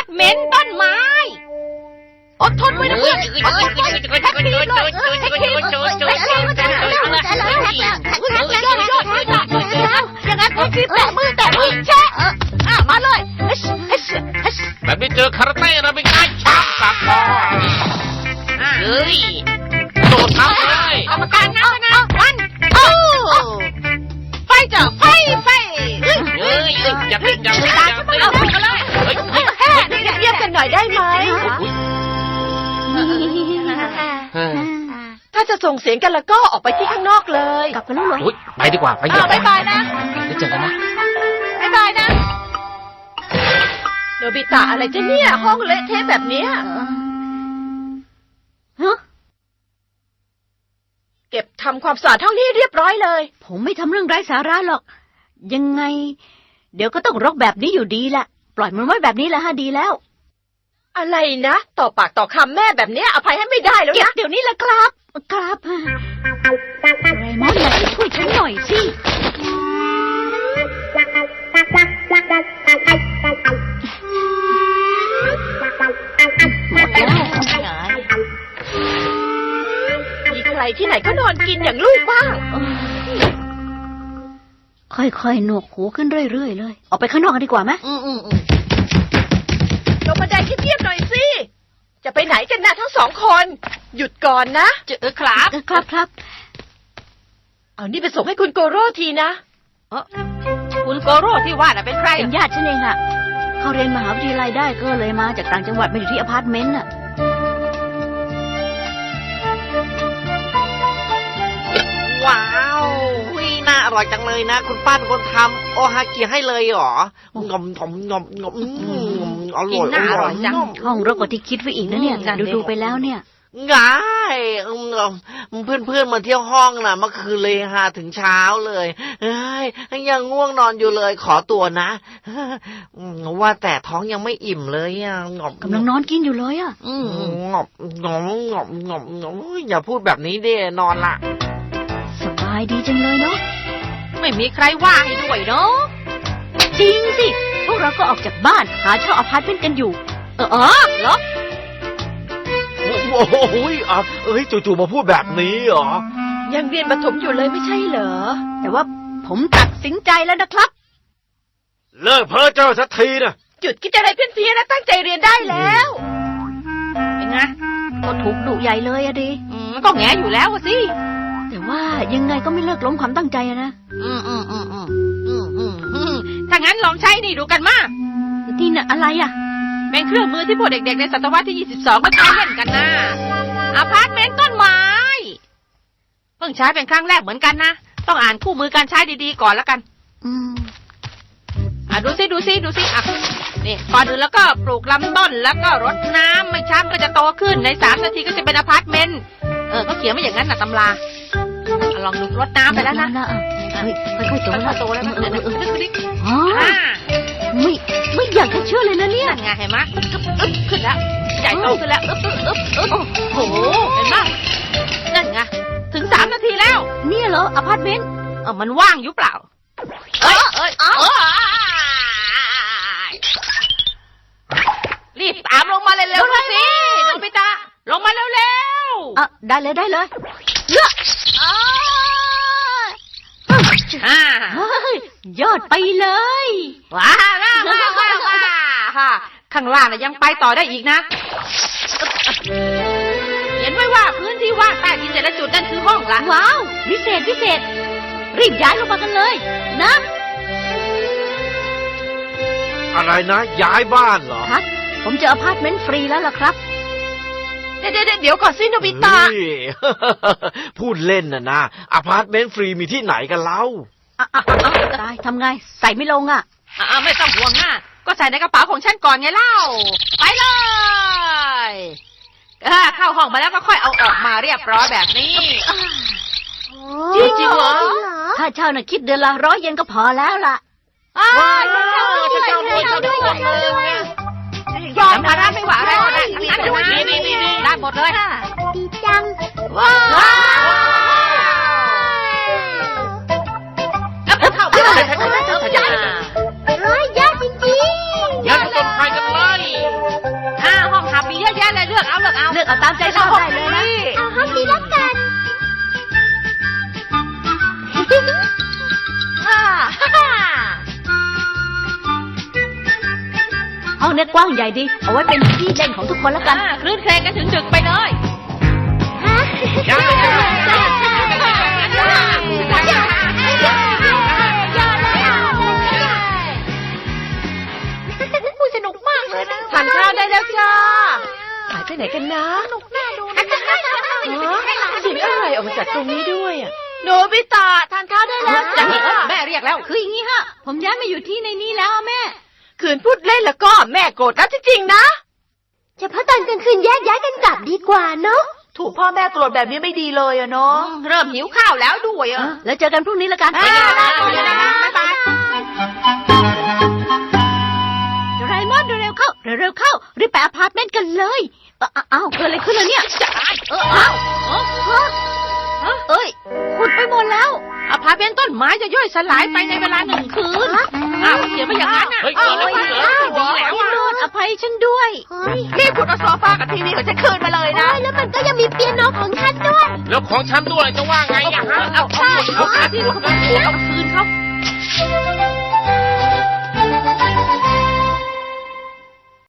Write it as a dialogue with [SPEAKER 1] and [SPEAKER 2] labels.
[SPEAKER 1] เมนต์ต้นไม้อดทนไว้นะเพื่อนแท็กทีเลยอย่างนั้นแท็กทีแตะมือแชะมาเลย
[SPEAKER 2] แบบนี้เจอคาราเต้เราเป็นไงชักตัดคอเฮ้ยโดดทับเลย
[SPEAKER 1] กรรมการนับนะวันไฟจ้ะไฟ
[SPEAKER 2] เฮ้ยอย่าเล่น
[SPEAKER 1] เอาไปเลยเรียกกันหน่อยได้ไหมถ้าจะส่งเสียงกันแล้วก็ออกไปที่ข้างนอกเลย
[SPEAKER 3] กลับกันแล้วเหรอ
[SPEAKER 2] ไปดีกว่าไป
[SPEAKER 1] บ๊ายบายนะ
[SPEAKER 2] เดี๋ยวเจอกันนะ
[SPEAKER 1] บ๊ายบายนะโนบิตะอะไรจะเนี่ยห้องเละเทะแบบเนี้ยเก็บทำความสะอาดห้องนี้เรียบร้อยเลย
[SPEAKER 3] ผมไม่ทำเรื่องไร้สาระหรอกยังไงเดี๋ยวก็ต้องรกแบบนี้อยู่ดีแหละปล่อยมันไว้แบบนี้แหละฮะดีแล้ว
[SPEAKER 1] อะไรนะต่อปากต่อคำแม่แบบนี้อภัยให้ไม่ได้แล้วนะ
[SPEAKER 3] เดี๋ยวนี้แหละครับไรมอนอยากช่วยฉันหน่อยสิ
[SPEAKER 1] มีใครที่ไหนก็นอนกินอย่างลูกบ้าง
[SPEAKER 3] ค่อยๆหนวกหูขึ้นเรื่อยๆเลยออกไปข้างนอกกันดีกว่าไหม
[SPEAKER 1] ลงบันไดเงียบๆหน่อยสิจะไปไหนกันนะทั้งสองคนหยุดก่อนนะครับเอานี่ไปส่งให้คุณโกโร่ทีนะ
[SPEAKER 4] คุณโกโร่ที่ว่าน่ะเป็นใคร
[SPEAKER 3] เป็นญาติฉันเองอะเขาเรียนมหาวิทยาลัยได้ก็เลยมาจากต่างจังหวัดมาอยู่ที่อพาร์ตเมนต์น่ะ
[SPEAKER 5] ว้าวน่าอร่อยจังเลยนะคุณป้าเป็นคนทำโอฮากิให้เลยเหรองอมอร่อย
[SPEAKER 4] จัง
[SPEAKER 3] ห้องรกกว่าที่คิดไว้อีกนะเนี่ยดูไปแล้วเนี่ย
[SPEAKER 5] ง่ายเพื่อนมาเที่ยวห้องน่ะเมื่อคืนเลยฮะถึงเช้าเลยยังง่วงนอนอยู่เลยขอตัวนะว่าแต่ท้องยังไม่อิ่มเลย
[SPEAKER 3] กำลังนอนกินอยู่เลย
[SPEAKER 5] งออย่าพูดแบบนี้ดินอนละ
[SPEAKER 3] สบายดีจังเลยเนาะ
[SPEAKER 4] ไม่มีใครว่าให้ด้วยเนาะ
[SPEAKER 3] จริงสิพวกเราก็ออกจากบ้านหาเช่าอพาร์ตเมนต์กันอยู่เหรอ
[SPEAKER 2] โอ้โหจู่ๆมาพูดแบบนี้เหรอ
[SPEAKER 1] ยังเรียนประถมอยู่เลยไม่ใช่เหรอ
[SPEAKER 3] แต่ว่าผมตัดสินใจแล้วนะครับ
[SPEAKER 2] เลิกเพ้อเจ้าสักทีนะ
[SPEAKER 1] หยุดคิดอะไรเพี้ยนๆนะตั้งใจเรียนได้แล้ว
[SPEAKER 4] เป็นไง
[SPEAKER 3] ก็ถูกดุใหญ่เลยอะดิ
[SPEAKER 4] มันก็แง่อยู่แล้วสิ
[SPEAKER 3] แต่ว่ายังไงก็ไม่เลิกล้มความตั้งใจนะ
[SPEAKER 4] ถ้างั้นลองใช้นี่ดูกันมา
[SPEAKER 3] ที่น่ะอะไรอะ
[SPEAKER 4] เป็นเครื่องมือที่พวกเด็กๆในศตวรรษที่22ก็ใช้เล่นกันนะอพาร์ตเมนต์ต้นไม้เพิ่งใช้เป็นครั้งแรกเหมือนกันนะต้องอ่านคู่มือการใช้ดีๆก่อนแล้วกันดูซินี่ก่อนอื่นแล้วก็ปลูกลำต้นแล้วก็รดน้ำไม่ช้าก็จะโตขึ้นใน3 นาทีก็จะเป็นอพาร์ตเมนต์ก็เขียนมาอย่างนั้นนะตำราลองดูรดน้ำไปแล้วนะ
[SPEAKER 3] ค่อยๆโตแล้วไม่อยากจะเชื่อเลยนะเนี่ย
[SPEAKER 4] ไงเห็นไหมขึ้นแล้วใหญ่โตขึ้นแล้วโอ้โหเห็นไหมนั่นไงถึง3 นาทีแล้ว
[SPEAKER 3] เนี่ยเหรออพาร์ตเมนต์
[SPEAKER 4] มันว่างอยู่เปล่ารีบตามลงมาเร็วๆสิโนบิตะลงมาเร็ว
[SPEAKER 3] ๆได้เลยยอดไปเลย
[SPEAKER 4] ว้าข้างล่างน่ะยังไปต่อได้อีกนะเห็นไว้ว่าพื้นที่ว่างใต้ดินแต่ละจุดนั่นคือห้องละ
[SPEAKER 3] ว้าวพิเศษรีบย้ายลงมากันเลยนะ
[SPEAKER 2] อะไรนะย้ายบ้านเหรอ
[SPEAKER 3] ครับผมเจออพาร์ตเมนต์ฟรีแล้วล่ะครับ
[SPEAKER 1] เดี๋ยวก่อนสิโนบิตะ
[SPEAKER 2] พูดเล่นนะอพาร์ตเมนต์ฟรีมีที่ไหนกันเล่า
[SPEAKER 3] ตายทำไงใส่ไม่ลง
[SPEAKER 4] ไม่ต้องห่วงนะก็ใส่ในกระเป๋าของฉันก่อนไงเล่าไปเลยเข้าห้องมาแล้วก็ค่อยเอาออกมาเรียบร้อยแบบนี้
[SPEAKER 3] จริงเหรอถ้าเช่าน่ะคิดเดือนละ100 เยนก็พอแล้วล่ะ
[SPEAKER 4] จะเช่าด้วยยอมมาไม่หวาอะไรก็ได้ทั้งนั้นได้หมดเลย
[SPEAKER 3] ดีจัง
[SPEAKER 4] ว้าว
[SPEAKER 3] ร้อยยอดจริงๆ
[SPEAKER 2] งั้นต้นไฟกันเลย
[SPEAKER 3] เอาตามใจชอบได้เลยนะ
[SPEAKER 1] เอาห้องนี้แล้วกัน
[SPEAKER 3] ห้องเนี้ยกว้างใหญ่ดี เอาไว้เป็นที่เล่นของทุกคนแล้วกัน
[SPEAKER 4] คลื่นเครงกันถึงดึกไปเลย
[SPEAKER 1] สนุกมากเลยนะทานข้าวได้แล้วจ้าหายไปไหนกันนะสนุกน่าดูนะเสียงอะไรออกมาจากตรงนี้ด้วยอ่ะโนบิตะทานข้าวได้แล้วจ้า
[SPEAKER 4] แม่เรียกแล้ว
[SPEAKER 3] คืออย่างนี้ฮะ ผมย้ายมาอยู่ที่ในนี้แล้วอะแม่
[SPEAKER 1] คืนพูดเล่นแล้วก็แม่โกรธแล้วจริงๆนะเฉพาะตอนกลางคืนแยกย้ายกันกลับดีกว่าเนาะถูกพ่อแม่โกรธแบบนี้ไม่ดีเลยอะเนาะ
[SPEAKER 4] เริ่มหิวข้าวแล้วด้วยอ่ะ
[SPEAKER 3] แล้วเจอกันพรุ่งนี้แล้วกัน
[SPEAKER 4] ไปกันนะบ๊ายบาย
[SPEAKER 3] โดราเอมอนเร็วๆเข้า เร็วๆเข้า รีบไปอพาร์ตเมนต์กันเลยอ้าวเกิดอะไรขึ้นแล้วเนี่ยอ้าวเอ้ยขุดไปหมดแล้ว
[SPEAKER 4] อพาร์ตเมนต์ต้นไม้จะย่อยสลายไปในเวลา1 คืนอ้าวเขียนมาอย่างนั้นอ่ะ
[SPEAKER 2] เฮ้ยเกิดอะไรขึ้นเหรอ
[SPEAKER 4] ดีแล้ว
[SPEAKER 3] พี่โนดอภัยฉันด้วย
[SPEAKER 1] รีบขุดเอาโซฟากับทีวีของฉันคืนมาเลยนะแล้วมันก็ยังมีเปียโนของฉันด้วย
[SPEAKER 2] แล้วของฉันด้วยจะว่าไงอะฮะ
[SPEAKER 4] เอาที่เขาไปคืนเขา